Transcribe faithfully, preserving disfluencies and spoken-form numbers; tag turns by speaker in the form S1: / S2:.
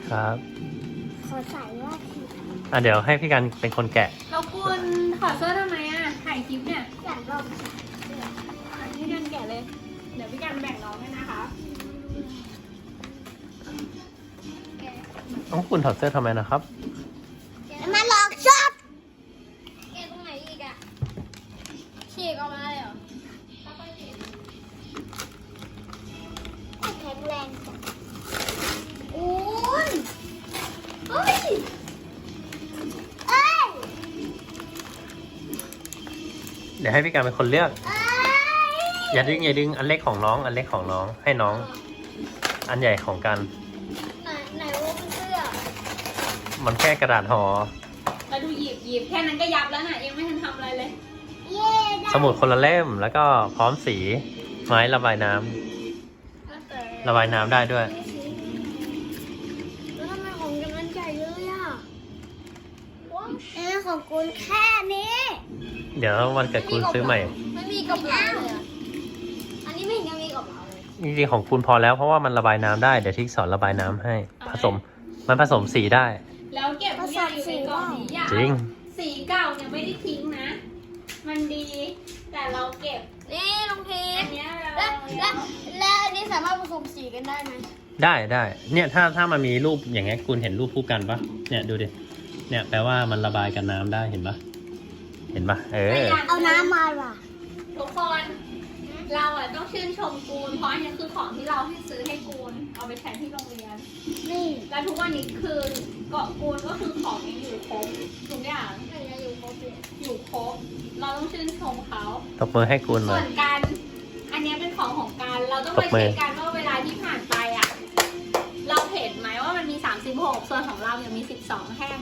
S1: ครับ
S2: ขอใส่ว่าผิด
S1: อ่ะเดี๋ยวให้พี่กันเป็นคนแกะ
S3: เราควรถอดเสื้อทำไมอ่ะถ่ายคลิปเนี่ย
S2: อยากลองใส่
S3: พี่กันแกะเลย เดี๋ยวพี่กันแบ่งน้องให้นะคะ
S1: ต้องคุณถอดเสื้อทำไมนะครับ
S2: มาลองชอบ
S3: แกะตรงไหนอีกอ่ะฉีกออกมาเลยเหรอ
S2: แข็งแรงจังอุ้ยเฮ้ยเอ้ย
S1: เดี๋ยวให้พี่กันเป็นคนเลือก
S2: เอ้ย
S1: อย่าดึงอย่าดึงอันเล็กของน้อง อันเล็กของน้องให้น้อง อันใหญ่ของกัน
S2: ไหนไหนว่าเป็นเสื้อ
S1: มันแค่กระดาษห่อ
S3: แล้วดูหยิบหยิบแค่นั้นก็ยับแล้วน่ะยังไม่ทันทำอะไรเลย
S2: เย่ได้
S1: สมุดคนละเล่มแล้วก็พร้อมสีไม้ระบายน้ำระบายน้ำได้ด้วย
S2: แล้วทำไมของกันมันใหญ่เลยอ่ะว้าวเออของคุณแค่นี้
S1: เดี๋ยววันเกิดคุณซื้อใหม่
S3: ไม่มีกระเป๋าเลยอะอันนี้ไม่เห็นยังมีกระเป๋าเลย
S1: จริงๆของคุณพอแล้วเพราะว่ามันระบายน้ำได้เดี๋ยวทิกสอนระบายน้ำให้ ผสมมันผสมสีได้
S3: แล้วเก็บทุกอย่างอยู่ในกล่องนี้อย่า
S1: จริง
S3: สีเก่าเนี่ยไม่ได้ทิ้งนะ มันดี แต่เราเก็บ
S2: นี่ลุงที
S3: อันเนี้ยเรา
S2: แล้วแล้วแล้วอันนี้สามารถผสมสีกันได้ไหม
S1: ได้ได้เนี่ยถ้าถ้ามันมีรูปอย่างเงี้ยคุณเห็นรูปคู่กันปะเนี่ยดูดิเนี่ยแปลว่ามันระบายกับน้ำได้เห็นปะเห็นปะเออ
S2: เอาน้ำมาว่ะ
S3: ทุกคน เราอ่ะต้องชื่นชมกูนเพราะอันนี้คือของที่เราให้ซื้อให้กูนเอาไปใช้ที่โรงเรียน
S2: นี่
S3: แล้วทุกวันนี้คือเกาะกูนก็คือของยังอยู่ครบทุกอย่าง
S2: มันจะอยู่ครบเลย
S3: อยู่ครบ เราต้องชื่นชมเขา
S1: ตบมือให้คุณหน่
S3: ส่
S1: อ
S3: วย นการอันเนี้ยเป็นของของการเราต้อง
S1: ต
S3: มา
S1: บมื
S3: เช็
S1: อ
S3: คกันว่าเวลาที่ผ่านไปอ่ะ เราเห็นไหมว่ามันมีสามสิบหกส่วนของเรายังมีสิบสองแท่ง